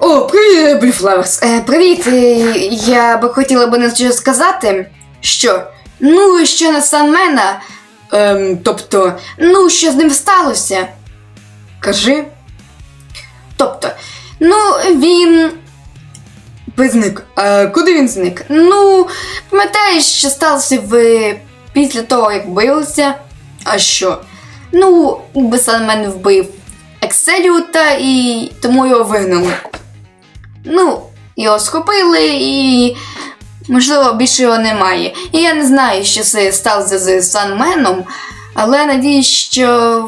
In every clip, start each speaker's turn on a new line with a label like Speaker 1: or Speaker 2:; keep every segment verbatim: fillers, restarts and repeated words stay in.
Speaker 1: О, привіт, Блюфлаверс. Е, привіт, е, я би хотіла би на що сказати, що, ну, що на Санмена, ем, тобто, ну, що з ним сталося? Кажи. Тобто, ну, він... Зник. А куди він зник? Ну, пам'ятаєш, що сталося в... після того, як билися? А що? Ну, якби Санмен вбив Екселіута і тому його вигнали. Ну, його схопили і, можливо, більше його немає. І я не знаю, що це сталося з Санменом, але надіюсь, що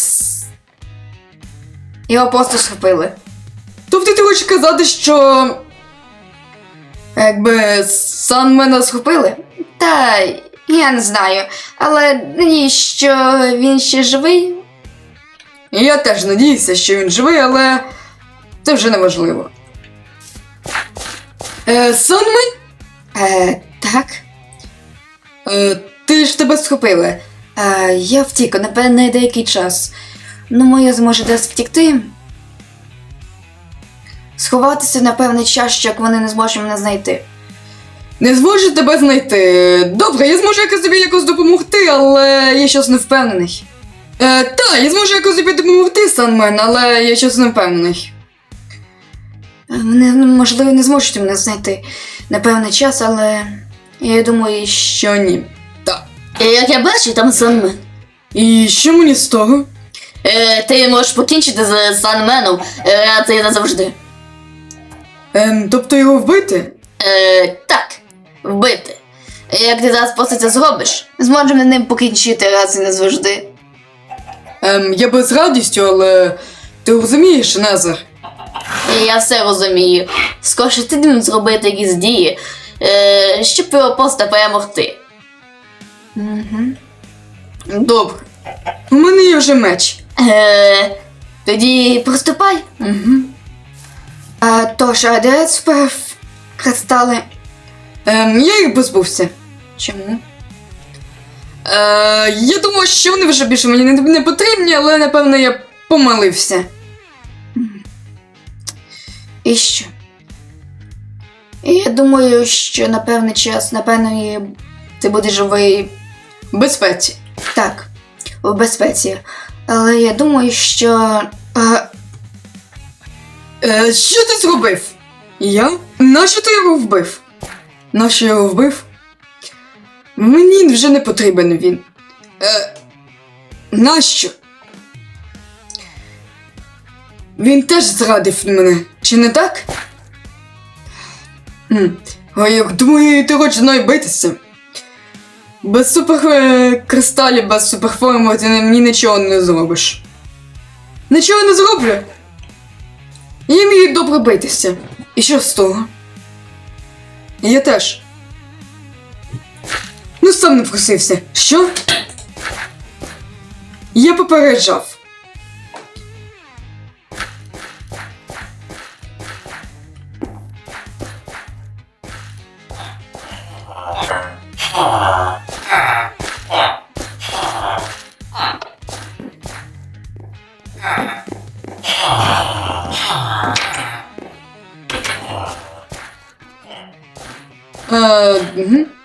Speaker 1: його просто схопили. Тобто ти хочеш казати, що якби Санмена схопили? Та, я не знаю, але надіюсь, що він ще живий. Я теж надіюся, що він живий, але це вже не важливо. Е, Санмен? Е, так. Е, ти ж тебе схопили. Е, я втік, напевне, деякий час. Ну, моя зможе десь втікти. Сховатися на певний час, що як вони не зможуть мене знайти. Не зможуть тебе знайти. Добре, я зможу якось тобі якось допомогти, але я щось не впевнений. Е, так, я зможу якось тобі допомогти, Санмен, але я щось не впевнений. Вони, можливо, не зможуть мене знайти на певний час, але я думаю, що ні. Так.
Speaker 2: Як я бачу, там Санмен.
Speaker 1: І що мені з того?
Speaker 2: Е, ти можеш покінчити з Санменом, е, а це назавжди.
Speaker 1: Ем, тобто його вбити?
Speaker 2: Е, так, вбити. Як ти зараз просто це зробиш, зможемо ним покінчити раз і назавжди.
Speaker 1: Ем, я би з радістю, але ти розумієш, Незер?
Speaker 2: І я все розумію. Скоріше ти ним зробити якісь дії, е, щоб його просто перемогти.
Speaker 1: Угу. Добре. У мене є вже меч.
Speaker 2: Е, тоді приступай.
Speaker 1: Угу. А, тож, а де тепер кристали? Ем, я їх позбувся. Чому? Е, я думав, що вони вже більше мені не, не потрібні, але, напевно, я помилився. І що? І я думаю, що на певний час, напевно, ти будеш живий в безпеці. Так, в безпеці. Але я думаю, що... А... Е, що ти зробив? Я? Нащо ти його вбив? Нащо я його вбив? Мені вже не потрібен він. Е, нащо? Він теж зрадив мене, чи не так? М. А як думаю, ти хочеш зі мною битися? Без суперкристалів, без суперформи ти мені нічого не зробиш. Нічого не зроблю? Я вмію добре битися. І що з того? Я теж. Ну сам не просився. Що? Я попереджав. Е, угу.